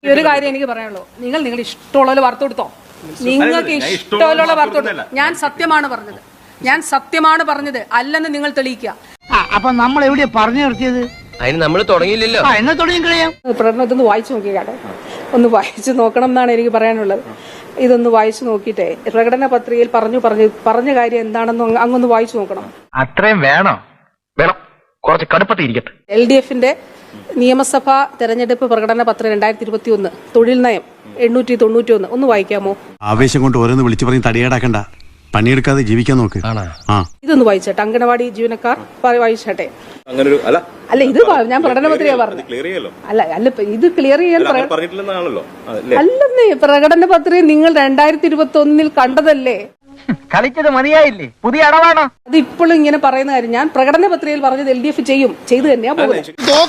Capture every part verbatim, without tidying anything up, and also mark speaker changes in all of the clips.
Speaker 1: ഒരു കാര്യം എനിക്ക് പറയാനുള്ളൂ, നിങ്ങൾ നിങ്ങൾ ഇഷ്ടമുള്ള വാർത്ത കൊടുത്തോ, നിങ്ങൾക്ക് ഇഷ്ടമുള്ള വാർത്ത കൊടുത്തോ. ഞാൻ സത്യമാണ് പറഞ്ഞത്, ഞാൻ സത്യമാണ് പറഞ്ഞത്, അല്ലെന്ന് നിങ്ങൾ തെളിയിക്കുക.
Speaker 2: അപ്പൊ നമ്മൾ എവിടെയാ പറഞ്ഞു നിർത്തിയത്?
Speaker 3: അതിന് നമ്മൾ തുടങ്ങിയില്ലല്ലോ.
Speaker 2: എന്നാ തുടങ്ങി കളയാം.
Speaker 1: പ്രകടനത്തൊന്ന് വായിച്ചു നോക്കിക്കാട്ടെ, ഒന്ന് വായിച്ചു നോക്കണം എന്നാണ് എനിക്ക് പറയാനുള്ളത്. ഇതൊന്ന് വായിച്ചു നോക്കിയിട്ടേ പ്രകടന പത്രികയിൽ പറഞ്ഞു പറഞ്ഞു പറഞ്ഞ കാര്യം എന്താണെന്ന് അങ്ങൊന്ന് വായിച്ചു നോക്കണം.
Speaker 3: അത്രയും വേണോ? വേണം, കുറച്ച് കടുപ്പത്തിരിക്കട്ടെ.
Speaker 1: എൽ ഡി എഫിന്റെ നിയമസഭാ തെരഞ്ഞെടുപ്പ് പ്രകടന പത്രം രണ്ടായിരത്തി ഇരുപത്തി ഒന്ന് തൊഴിൽ നയം എണ്ണൂറ്റി തൊണ്ണൂറ്റി ഒന്ന് ഒന്ന് വായിക്കാമോ?
Speaker 4: ആവേശം കൊണ്ട് ഓരോന്ന് വിളിച്ചു പറഞ്ഞ് തടിയേടാക്കണ്ട, പണിയെടുക്കാതെ ജീവിക്കാൻ നോക്ക്.
Speaker 1: ഇതൊന്ന് വായിച്ചേട്ടെ, അംഗനവാടി ജീവനക്കാർ വായിച്ചേട്ടെ. അല്ല, ഇത് ഞാൻ പ്രകടന പത്രിക പറഞ്ഞു. അല്ല അല്ല ഇത് ക്ലിയർ ചെയ്യാൻ അല്ലെന്നേ, പ്രകടന പത്രിക നിങ്ങൾ രണ്ടായിരത്തി ഇരുപത്തി ഒന്നിൽ കണ്ടതല്ലേ?
Speaker 2: കളിച്ചത് മതിയായില്ലേ? പുതിയ അടവാണോ
Speaker 1: അത് ഇപ്പോഴും ഇങ്ങനെ പറയുന്ന കാര്യം? ഞാൻ പ്രകടന പത്രികയിൽ പറഞ്ഞത് എൽ ഡി എഫ് ചെയ്യും, ചെയ്തു തന്നെയാ പോകുന്നത്.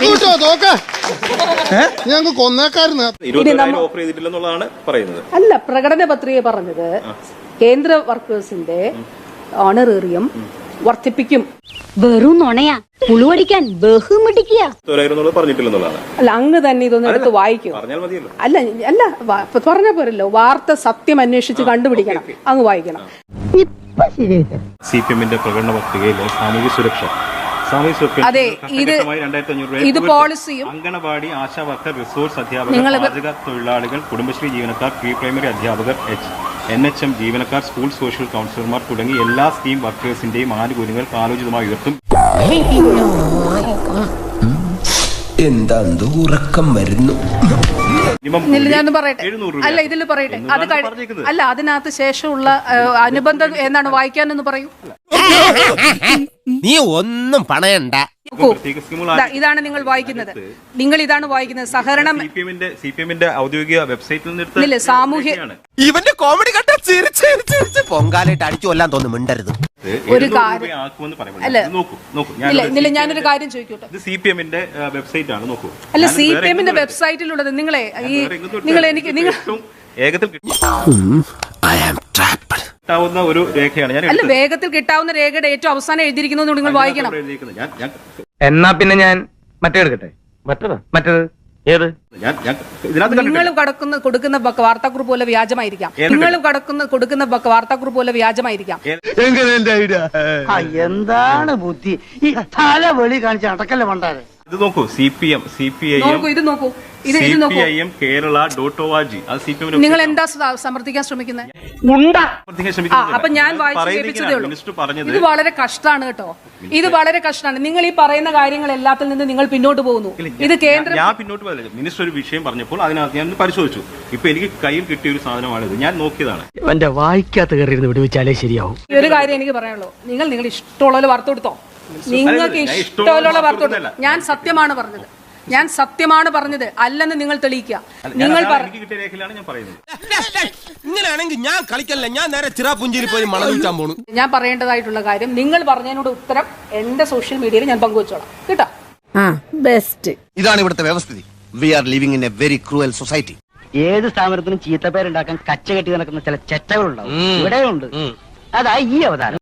Speaker 1: അല്ല, പ്രകടന പത്രിക പറഞ്ഞത് കേന്ദ്ര വർക്കേഴ്സിന്റെ ഓണറേറിയം വർദ്ധിപ്പിക്കും.
Speaker 5: വെറും നുണയാ, പുളുവടിക്കാൻ ബഹുമിടിക്കുക.
Speaker 1: അല്ല, അങ്ങ് തന്നെ ഇതൊന്നും എടുത്ത് വായിക്കും. അല്ല അല്ല പറഞ്ഞ പോരല്ലോ, വാർത്ത സത്യം അന്വേഷിച്ച് കണ്ടുപിടിക്കണം, അങ്ങ് വായിക്കണം.
Speaker 6: സി പി എമ്മിന്റെ പ്രകടന പത്രികയിലെ സാമൂഹ്യ സുരക്ഷ
Speaker 1: അതെ, ഇത് ഇത് പോളിസിയും
Speaker 6: അംഗനവാടി ആശാ വർക്കർ, റിസോഴ്സ് അധ്യാപകർ, പാചക തൊഴിലാളികൾ, കുടുംബശ്രീ ജീവനക്കാർ, പ്രീ പ്രൈമറി അധ്യാപകർ, എൻ എച്ച് എം ജീവനക്കാർ, സ്കൂൾ സോഷ്യൽ കൗൺസിലർമാർ തുടങ്ങി എല്ലാ സ്കീം വർക്കേഴ്സിന്റെയും ആനുകൂല്യങ്ങൾ കാലോചിതമായി ഉയർത്തും.
Speaker 3: എന്താ ഉറക്കം വരുന്നു?
Speaker 1: ഞാൻ പറയട്ടെ, അല്ല ഇതിൽ പറയട്ടെ, അത് അല്ല അതിനകത്ത് ശേഷമുള്ള അനുബന്ധം എന്താണ് വായിക്കാനെന്ന് പറയൂ.
Speaker 3: നീ ഒന്നും പണയണ്ട.
Speaker 1: ഇതാണ് നിങ്ങൾ വായിക്കുന്നത്, നിങ്ങൾ ഇതാണ് വായിക്കുന്നത്. സഹകരണം
Speaker 6: സി പി എമ്മിന്റെ ഔദ്യോഗിക വെബ്സൈറ്റിൽ നിന്ന്
Speaker 1: സാമൂഹ്യ
Speaker 3: ഇവന്റെ കോമഡി കണ്ട പൊങ്കാലായിട്ട് അടിച്ചു കൊല്ലാൻ തോന്നുന്നു. മിണ്ടരുത്.
Speaker 1: ഒരു കാര്യം അല്ല, ഇല്ല ഞാനൊരു കാര്യം ചോദിക്കട്ടെ,
Speaker 6: സി പി എമ്മിന്റെ വെബ്സൈറ്റ് ആണ്, നോക്കൂ.
Speaker 1: അല്ല, സി പി എമ്മിന്റെ വെബ്സൈറ്റിലുള്ളത് നിങ്ങളെ ഈ നിങ്ങൾ എനിക്ക് നിങ്ങൾ
Speaker 6: വേഗത്തിൽ കിട്ടാവുന്ന ഒരു രേഖയാണ്. ഞാൻ
Speaker 1: അല്ല, വേഗത്തിൽ കിട്ടാവുന്ന രേഖയുടെ ഏറ്റവും അവസാനം എഴുതിയിരിക്കുന്നത് നിങ്ങൾ വായിക്കണം.
Speaker 2: എന്നാ പിന്നെ ഞാൻ മറ്റേ എടുക്കട്ടെ. മറ്റേത് മറ്റേത് ഏത്?
Speaker 1: നിങ്ങൾ കടക്കുന്ന കൊടുക്കുന്ന വാർത്താക്കുറിപ്പ് പോലെ വ്യാജമായിരിക്കാം. നിങ്ങൾ കടക്കുന്ന കൊടുക്കുന്ന വാർത്താക്കുറിപ്പ് പോലെ വ്യാജമായിരിക്കാം.
Speaker 2: എന്താണ് ബുദ്ധി? ഈ തല വെളി കാണിച്ച അടക്കല്ലേ മണ്ടാരെ.
Speaker 6: ഇത് നോക്കൂ, C P M C P I M
Speaker 1: ഇത് നോക്കൂ, ഇത്
Speaker 6: C P I M Kerala dot O R G. അത് സി പി എം.
Speaker 1: നിങ്ങൾ എന്താ സമർത്ഥിക്കാൻ ശ്രമിക്കുന്നത്? അപ്പൊ ഞാൻ വായിച്ചതേ ഉള്ളൂ. ഇത് വളരെ കഷ്ടമാണ് കേട്ടോ, ഇത് വളരെ കഷ്ടമാണ്. നിങ്ങൾ ഈ പറയുന്ന കാര്യങ്ങൾ എല്ലാത്തിൽ നിന്ന് നിങ്ങൾ പിന്നോട്ട് പോകുന്നു. ഇത് കേന്ദ്ര
Speaker 6: ഞാൻ പിന്നോട്ട് പോകില്ല. മിനിസ്റ്റർ ഒരു വിഷയം പറഞ്ഞപ്പോൾ അതിനകത്ത് ഞാൻ പരിശോധിച്ചു. ഇപ്പൊ എനിക്ക് കയ്യിൽ കിട്ടിയ ഒരു സാധനമാണിത്, ഞാൻ നോക്കിയതാണ്.
Speaker 2: എന്റെ വായിക്കാത്ത കയറി വിടുവിച്ചാലേ ശരിയാവും.
Speaker 1: ഒരു കാര്യം എനിക്ക് പറയാനുള്ളൂ, നിങ്ങൾ നിങ്ങൾ ഇഷ്ടമുള്ള വാർത്ത കൊടുത്തോ, നിങ്ങൾക്ക് ഇഷ്ടമുള്ള വാർത്ത കൊടുത്തോ. ഞാൻ സത്യമാണ് പറഞ്ഞത്, ഞാൻ സത്യമാണ് പറഞ്ഞത്, അല്ലെന്ന് നിങ്ങൾ തെളിയിക്കുക. നിങ്ങൾ
Speaker 3: ഇങ്ങനെയാണെങ്കിൽ ഞാൻ കളിക്കല്ല, ഞാൻ നേരെ ചിറാപുഞ്ചിയിൽ പോയി മണം വിൽക്കാൻ പോണു.
Speaker 1: ഞാൻ പറയേണ്ടതായിട്ടുള്ള കാര്യം, നിങ്ങൾ പറഞ്ഞതിനോട് ഉത്തരം എന്റെ സോഷ്യൽ മീഡിയയിൽ ഞാൻ പങ്കുവച്ചോളാം കേട്ടോ. ബെസ്റ്റ്.
Speaker 3: ഇതാണ് ഇവിടുത്തെ വ്യവസ്ഥിതി. We are living in a very cruel society.
Speaker 2: ഏത് സ്ഥാപനത്തിനും ചീത്തപ്പേരുണ്ടാക്കാൻ കച്ച കെട്ടി നടക്കുന്ന ചില ചെറ്റകളുണ്ടാവും, ഇവിടെയുണ്ട്. അതാ ഈ അവതാരം.